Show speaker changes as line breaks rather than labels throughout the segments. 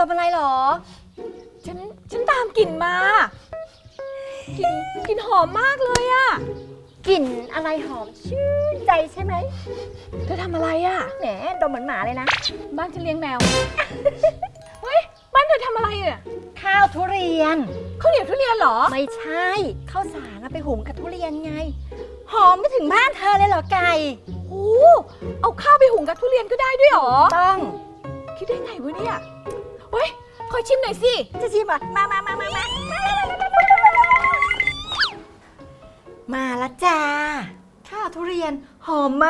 มอะไรหรอ
ฉันตามกลิ่นมากลิ่นหอมมากเลยอะ
กลิ่นอะไรหอมชื่นใจใช่ไหม
เธอทำอะไรอะ
แหมดมเหมือนหมาเลยนะ
บ้านฉันเลี้ยงแมว เฮ้ยบ้านเธอทำอะไรอะ
ข้าวทุเรียน
ข้าวเหนียวทุเรียนเหรอ
ไม่ใช่ข้าวสารไปหุงกับทุเรียนไงหอมไม่ถึงบ้านเธอเลยเหรอไก่
โอ้เอาข้าวไปหุงกับทุเรียนก็ได้ด้วยเหรอ
ต้อง
คิดได้ไงวะเนี่ยเฮ้ยขอชิมหน่อยสิ
จะชิมอ่ะมาละจ้าข้าวทุเรียนหอมไหม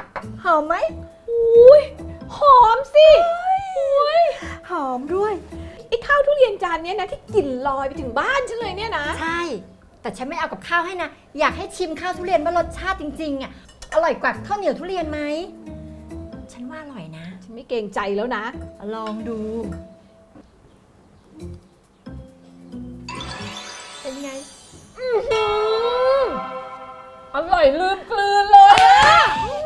อุ้ยหอมสิอุ้ย
หอมด้วย
ไอ้ข้าวทุเรียนจานนี้นะที่กลิ่นลอยไปถึงบ้านฉันเลยเนี่ยนะ
ใช่แต่ฉันไม่เอากับข้าวให้นะอยากให้ชิมข้าวทุเรียนว่ารสชาติจริงๆอ่ะอร่อยกว่าข้าวเหนียวทุเรียนไหมฉันว่าอร่อยนะ
ฉันไม่เกรงใจแล้วนะ
ลองดูเป็นไง
อร่อยลืมกลืนเลยอะ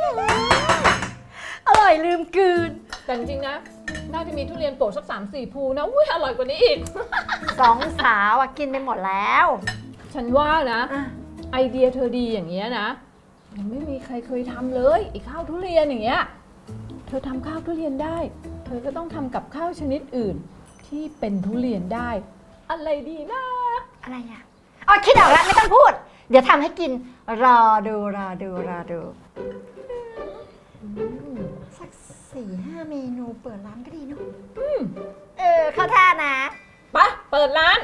อร่อยลืมกลืน
แต่จริงๆนะน่าจะมีทุเรียนโปะสัก3-4 ภูนะอุ้ยอร่อยกว่านี้อีก
สองสาวกินไปหมดแล้ว
ฉันว่านะไอเดียเธอดีอย่างเงี้ยนะยังไม่มีใครเคยทำเลยไอ้ข้าวทุเรียนอย่างเงี้ยเธอทำข้าวทุเรียนได้เธอก็ต้องทำกับข้าวชนิดอื่นที่เป็นทุเรียนได้อะไรดีนะ
อะไรอ่ะอ๋อคิดออกแล้วไม่ต้องพูดเดี๋ยวทำให้กินรอดูสัก4-5 เมนูเปิดร้านก็ดีเนาะเข้าท่านะ
ไปเปิดร้าน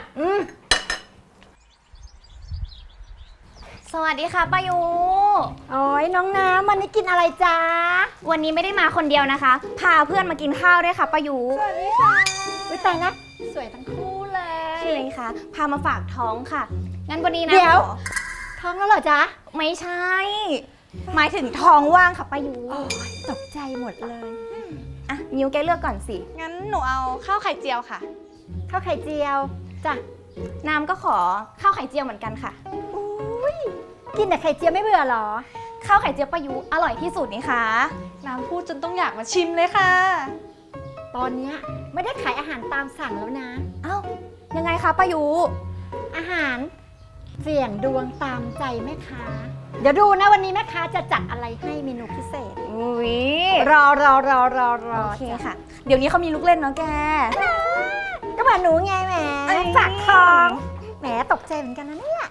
สวัสดีค่ะป้ายู
โอ้ยน้องน้ำวันนี้กินอะไรจ๊ะ
วันนี้ไม่ได้มาคนเดียวนะคะพาเพื่อนมากินข้าวด้วยค่ะป้ายู
สวัสดีค่ะอุ๊ยตายนะสวยทั้งคู่เลย
ใช่ไหมคะพามาฝากท้องค่ะงั้นวันนี้นะ
เดี๋ยวท้องแล้วเหรอจ๊ะ
ไม่ใช่หมายถึงท้องว่างค่ะป้ายู
ตกใจหมดเลย
อ่ะมิวแกเลือกก่อนสิ
งั้นหนูเอาข้าวไข่เจียวค่ะ
ข้าวไข่เจียวจ้ะ
น้ำก็ขอข้าวไข่เจียวเหมือนกันค่ะ
อุ้ยกินแต่ไข่เจียวไม่เบื่อหรอ
ข้าวไข่เจียวป้ายูอร่อยที่สุดนี่คะ
น้ำพูดจนต้องอยากมาชิมเลยค่ะ
ตอนนี้ไม่ได้ขายอาหารตามสั่งแล้วนะ
เอ้ายังไงคะป้ายู
อาหารเสี่ยงดวงตามใจแม่ค้าเดี๋ยวดูนะวันนี้แม่ค้าจะจัดอะไรให้เมนูพิเศษ
อุ้ย
รอ
โอเคค่ะเดี๋ยวนี้เขามีลูกเล่นเนาะแก
ก็มาหนูไงแหมฝากท้องแหมตกใจเหมือนกันนะเนี่ย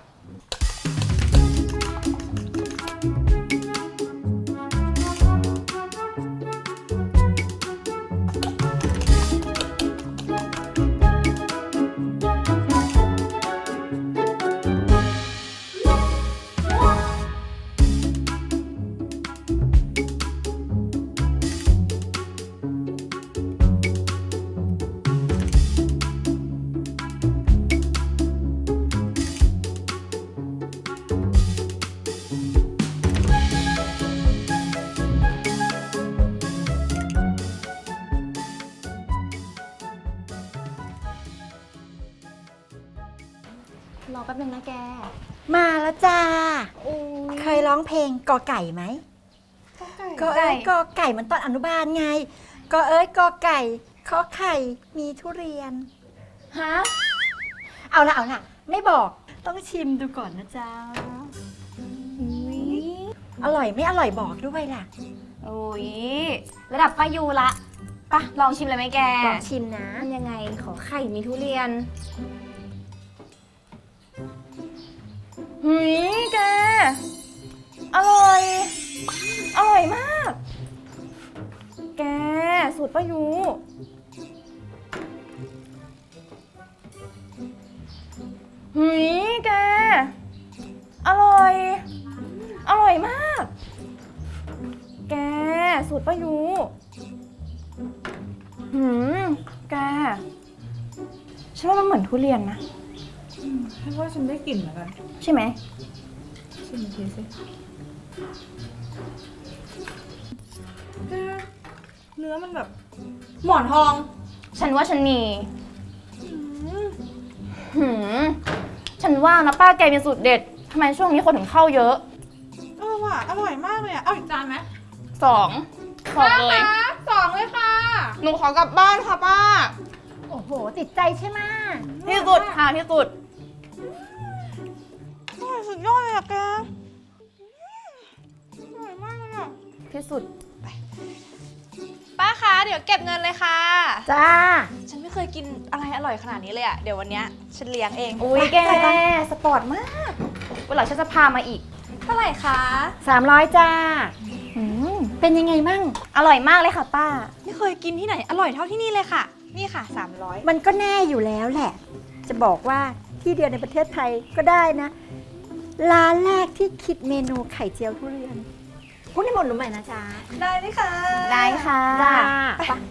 รอแป๊บนึงนะแก
มาแล้วจ้าเคยร้องเพลงกอไก่ไหมก็เอ้ยกอไก่มันตอนอนุบาลไงก็เอ้ยกอไก่ขอไข่มีทุเรียน
ฮะ
เอาละไม่บอกต้องชิมดูก่อนนะจ๊ะอร่อยไม่อร่อยบอกด้วยล่ะ
โอ้ยระดับป้ายูละปะลองชิมเลยไหมแก
ลองชิมนะ
มันยังไงขอไข่มีทุเรียนแกอร่อยมากแกสูตรป้ายูแกอร่อยมากแกสูตรป้ายูแกฉันว่ามันเหมือนทุเรียนนะ
ฉันว่าฉันได้กลิ่นเหมือนกัน
ใช่ไหม
ชิมทีสิเนื้อมันแบบหมอนทอง
ฉันว่าฉันมีฉันว่านะป้าแกมีสูตรเด็ดทำไมช่วงนี้คนถึงเข้าเยอะ
ว่ะอร่อยมากเลยอ่ะเอาอีกจานไหม
2เลย
2เลยค่ะ
หนูขอกลับบ้านค่ะป้า
โอ้โห
โหติดใจใช่ไหม
ที่สุดค่ะที่สุดอร่อยสุดยอดเลยอะแกอร่อยมากเลยอะที่สุด
ป้าคะเดี๋ยวเก็บเงินเลยค่ะ
จ้า
ฉันไม่เคยกินอะไรอร่อยขนาดนี้เลยอะเดี๋ยววันเนี้ยฉันเลี้ยงเอง
อุ้ยแกสปอร์ตมากวันหลังฉันจะพามาอีก
เท่าไหร่คะ
300จ้าเป็นยังไงมั่ง
อร่อยมากเลยค่ะป้า
ไม่เคยกินที่ไหนอร่อยเท่าที่นี่เลยค่ะ นี่ค่ะ 300
มันก็แน่อยู่แล้วแหละ จะบอกว่าที่เดียวในประเทศไทยก็ได้นะ ร้านแรกที่คิดเมนูไข่เจียวทุเรียนพูดให้หมดรู้ไหมนะจ๊ะ
ได้ไหมคะ
ได้ค่ะ
จ้าไป